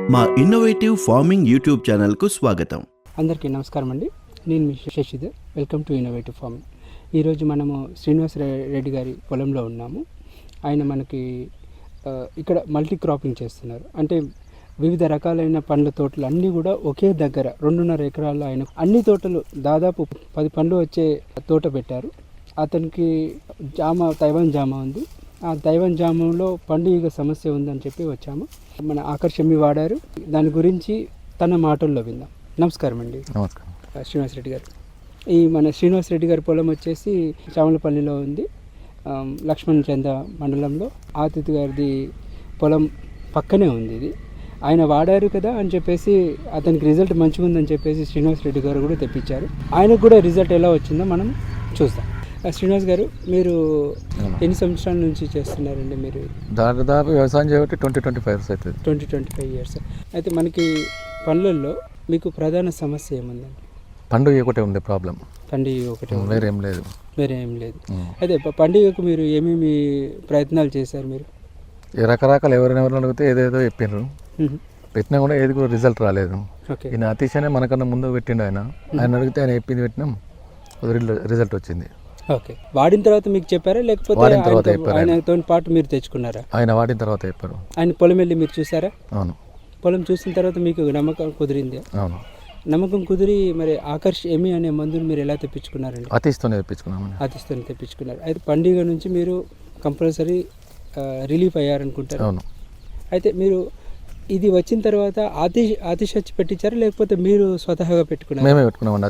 మా innovative farming YouTube ఛానల్కు స్వాగతం. అందరికీ నమస్కారం అండి. నేను మీ Shashidhar. Welcome to innovative farming. ఈరోజు మనము శ్రీనివాస్ రెడ్డి గారి పొలంలో ఉన్నాము. ఆయన మనకి ఇక్కడ మల్టీ క్రాపింగ్ చేస్తున్నారు. అంటే వివిధ రకాలైన పండ్ల తోటలు అన్నీ కూడా ఒకే దగ్గర 2.5 ఎకరాల్లో ఆయన అన్ని తోటలు దాదాపు 10 పండ్లు వచ్చే తోట పెట్టారు. అతనికి తైవాన్ జామ ఉంది. ఆ తైవాన్ జామంలో పండుగ సమస్య ఉందని చెప్పి వచ్చాము. మన ఆకర్షమి వాడారు. దాని గురించి తన మాటల్లో విందాం. నమస్కారం అండి. నమస్కారం. శ్రీనివాస్ రెడ్డి గారు, మన శ్రీనివాస్ రెడ్డి గారి పొలం వచ్చేసి చామలపల్లిలో ఉంది, లక్ష్మణ్ చంద మండలంలో. ఆతిథి గారిది పొలం పక్కనే ఉంది. ఇది ఆయన వాడారు కదా అని చెప్పేసి అతనికి రిజల్ట్ మంచిగా ఉందని చెప్పేసి శ్రీనివాస్ రెడ్డి గారు కూడా తెప్పించారు. ఆయనకు కూడా రిజల్ట్ ఎలా వచ్చిందో మనం చూద్దాం. శ్రీనివాస్ గారు, మీరు ఎన్ని సంవత్సరాల నుంచి చేస్తున్నారండి? మీరు దాదాపు వ్యవసాయం చేయబట్టి 20-25 ఇయర్స్ అవుతుంది. 20-25 ఇయర్స్. అయితే మనకి పండ్లల్లో మీకు ప్రధాన సమస్య ఏముందండి? పండుగ ఒకటే ఉంది ప్రాబ్లం. పండుగ ఒకటే, వేరేం లేదు. వేరేం లేదు. అయితే పండుగకు మీరు ఏమేమి ప్రయత్నాలు చేశారు? మీరు రకరకాలు ఎవరైనా అడిగితే ఏదేదో చెప్పినారు, పెట్టినా కూడా ఏది కూడా రిజల్ట్ రాలేదు. ఈయన అతిశయనే మనకన్నా ముందు పెట్టిండు. ఆయన అడిగితే ఆయన చెప్పింది పెట్టినాం, రిజల్ట్ వచ్చింది. ఓకే. వాడిన తర్వాత మీకు చెప్పారా లేకపోతే ఆయనతో పాటు మీరు తెచ్చుకున్నారా? ఆయన వాడిన తర్వాత చెప్పారు. ఆయన పొలం వెళ్ళి మీరు చూసారా? అవును. పొలం చూసిన తర్వాత మీకు నమ్మకం కుదిరింది? అవును. నమ్మకం కుదిరి మరి ఆకర్ష్ ఎమి అనే మందుని మీరు ఎలా తెప్పించుకున్నారండి? అతిస్తోనే తెప్పించుకున్నాము. అతిస్తోనే తెప్పించుకున్నారు. అయితే పండుగ నుంచి మీరు కంపల్సరీ రిలీఫ్ అయ్యారనుకుంటారు. అవును. అయితే మీరు ఇది వచ్చిన తర్వాత ఆతిష్ వచ్చి పెట్టించారా లేకపోతే మీరు స్వతహాగా పెట్టుకున్నారు? మేమే పెట్టుకున్నామండి.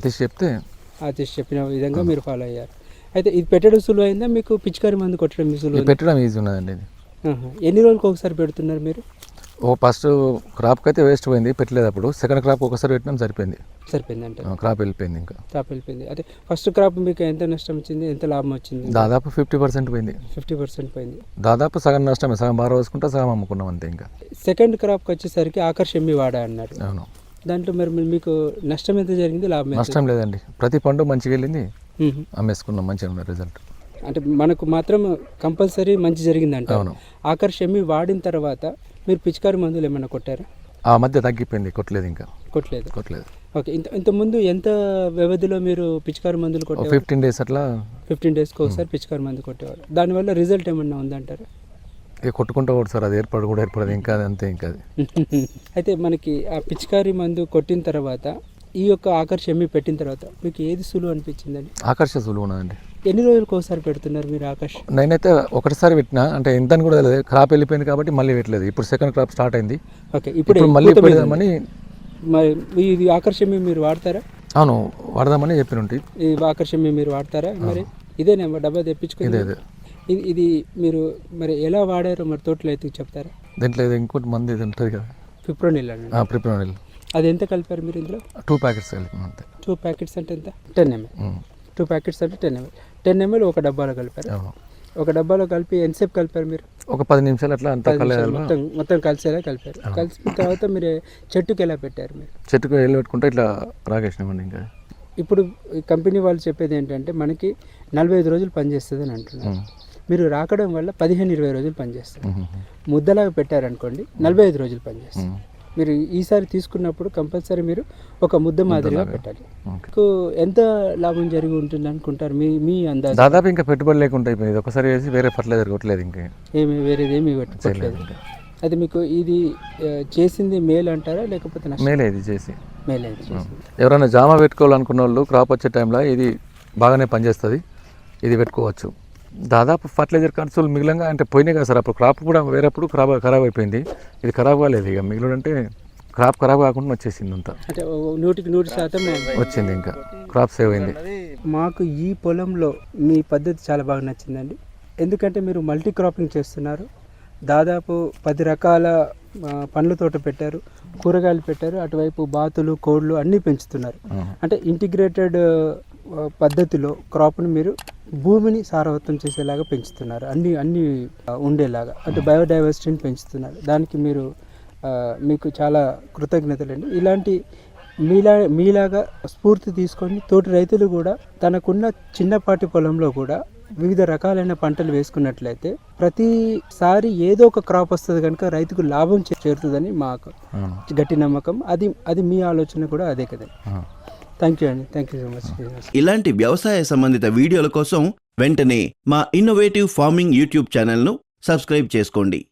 ఆతిష్ చెప్పిన విధంగా మీరు ఫాలో అయ్యారు. అయితే ఇది పెట్టడం సులువు అయిందా మీకు? పిచికారి మందు కొట్టడం సులువు? పెట్టడం ఈజీ ఉన్నదండి. ఎన్ని రోజులకు ఒకసారి పెడుతున్నారు మీరు? ఫస్ట్ క్రాప్కి అయితే వేస్ట్ పోయింది, పెట్టలేదు. అప్పుడు సెకండ్ క్రాప్ ఒకసారి పెట్టినాం, సరిపోయింది అంటే క్రాప్ వెళ్ళిపోయింది. ఇంకా క్రాప్ వెళ్ళిపోయింది. అయితే ఫస్ట్ క్రాప్ మీకు ఎంత నష్టం వచ్చింది, ఎంత లాభం వచ్చింది? దాదాపు 50% పోయింది. 50% పోయింది. దాదాపు సగం నష్టమే, సగం బాగా వేసుకుంటే సగం అమ్ముకున్నాం అంతే. ఇంకా సెకండ్ క్రాప్కి వచ్చేసరికి ఆకర్షమి వాడా అన్నారు. అవును. దాంట్లో మరి మీకు నష్టం ఎంత జరిగింది, లాభం? నష్టం లేదండి, ప్రతి పండు మంచిగా వెళ్ళింది, అమ్మేసుకున్నాం, మంచిగా ఉన్న రిజల్ట్. అంటే మనకు మాత్రం కంపల్సరీ మంచి జరిగిందంట. అవును. ఆకర్షమి వాడిన తర్వాత మీరు పిచికారి మందులు ఏమైనా కొట్టారా? ఆ మధ్య తగ్గిపోయింది, కొట్టలేదు. ఇంకా కొట్టలేదు. ఓకే. ఇంతకుముందు ఎంత వ్యవధిలో మీరు పిచికారి మందులు కొట్టారు? 15 డేస్ అట్లా. 15 డేస్కి ఒకసారి పిచికారి మందు కొట్టేవారు. దానివల్ల రిజల్ట్ ఏమన్నా ఉందంటారా? ఇక కొట్టుకుంటూ కూడా సార్, అది ఏర్పడదు ఇంకా అంతే. ఇంకా అయితే మనకి ఆ పిచికారి మందు కొట్టిన తర్వాత ఈ యొక్క ఆకర్షమి పెట్టిన తర్వాత మీకు ఏది సులువు అనిపించిందండి? ఆకర్ష సులువు ఉన్నదండి. ఎన్ని రోజులకు ఒకసారి పెడుతున్నారు మీరు ఆకర్ష? నేనైతే ఒకటిసారి పెట్టినా, అంటే ఎంత అని కూడా తెలియదు, క్రాప్ వెళ్ళిపోయింది కాబట్టి మళ్ళీ పెట్టలేదు. ఇప్పుడు సెకండ్ క్రాప్ స్టార్ట్ అయింది. ఓకే. ఇప్పుడు మళ్ళీ పెడదామని. ఇది ఆకర్షమి మీరు వాడతారా? అవును, వాడదామని చెప్పిన. ఈ ఆకర్షమి మీరు వాడతారా? మరి ఇదేనా డబ్బా తెప్పించుకుని? ఇది మీరు మరి ఎలా వాడారో మరి తోటలో అయితే చెప్తారా? దీంట్లో ఇంకోటి మంది ఇది ఉంటుంది కదా, ఫిప్రోనిల్. ప్రిప్రోనిల్. అది ఎంత కలిపారు మీరు ఇందులో? 2 ప్యాకెట్స్ కలిపాను అంతే. 2 ప్యాకెట్స్ అంటే ఎంత? 10 ml. 2 ప్యాకెట్స్ అంటే 10 ml ఒక డబ్బాలో కలిపారు. ఒక డబ్బాలో కలిపి ఎంతసేపు కలిపారు మీరు? ఒక 10 నిమిషాలు అట్లా అంతా మొత్తం కలిసేలా కలిపారు. కలిసిన తర్వాత మీరు చెట్టుకి ఎలా పెట్టారు? మీరు చెట్టుకు వెళ్ళి పెట్టుకుంటే ఇట్లా రాగేసినామండి. ఇంకా ఇప్పుడు కంపెనీ వాళ్ళు చెప్పేది ఏంటంటే మనకి 45 రోజులు పనిచేస్తుంది అని అంటున్నారు. మీరు రాకడం వల్ల 15-20 రోజులు పనిచేస్తుంది. ముద్దలాగా పెట్టారనుకోండి 45 రోజులు పనిచేస్తుంది. మీరు ఈసారి తీసుకున్నప్పుడు కంపల్సరీ మీరు ఒక ముద్ద మాదిరిగా పెట్టాలి. మీకు ఎంత లాభం జరిగి ఉంటుంది అనుకుంటారు మీ అందాజు? దాదాపు ఇంకా పెట్టుబడి లేకుండా అయిపోయింది. ఒకసారి వేసి వేరే ఫర్టిలైజర్ కొట్టలేదు, ఇంకా వేరేదేమి కొట్టలేదు. అయితే మీకు ఇది చేసింది మేలు అంటారా లేకపోతే మేలే? ఇది చేసి మేలే. ఎవరైనా జామ పెట్టుకోవాలనుకున్న వాళ్ళు క్రాప్ వచ్చే టైంలో ఇది బాగానే పనిచేస్తుంది, ఇది పెట్టుకోవచ్చు. దాదాపు ఫర్టిలైజర్ ఖర్చులు మిగిలిన అంటే పోయినాయి కదా సార్. అప్పుడు క్రాప్ కూడా వేరేప్పుడు ఖరాబ్ అయిపోయింది, ఇది ఖరాబ్ కాలేదు. ఇక మిగిలిన అంటే క్రాప్ ఖరాబ్ కాకుండా వచ్చేసింది అంతా. అంటే 100% వచ్చింది, ఇంకా క్రాప్ సేవ్ అయింది. మాకు ఈ పొలంలో మీ పద్ధతి చాలా బాగా నచ్చిందండి. ఎందుకంటే మీరు మల్టీ క్రాపింగ్ చేస్తున్నారు. దాదాపు 10 రకాల పండ్ల తోట పెట్టారు, కూరగాయలు పెట్టారు, అటువైపు బాతులు, కోళ్ళు అన్నీ పెంచుతున్నారు. అంటే ఇంటిగ్రేటెడ్ పద్ధతిలో క్రాప్ని మీరు భూమిని సారవంతం చేసేలాగా పెంచుతున్నారు, అన్నీ ఉండేలాగా. అంటే బయోడైవర్సిటీని పెంచుతున్నారు. దానికి మీకు చాలా కృతజ్ఞతలండి. ఇలాంటి మీలాగా స్ఫూర్తి తీసుకొని తోటి రైతులు కూడా తనకున్న చిన్నపాటి పొలంలో కూడా వివిధ రకాలైన పంటలు వేసుకున్నట్లయితే ప్రతిసారి ఏదో ఒక క్రాప్ వస్తుంది కనుక రైతుకు లాభం చేరుతుందని మాకు గట్టి నమ్మకం. అది మీ ఆలోచన కూడా అదే కదా. థ్యాంక్ యూ అండి. Thank you so much. ఇలాంటి వ్యవసాయ సంబంధిత వీడియోల కోసం వెంటనే మా ఇన్నోవేటివ్ ఫార్మింగ్ యూట్యూబ్ ఛానల్ను సబ్స్క్రైబ్ చేసుకోండి.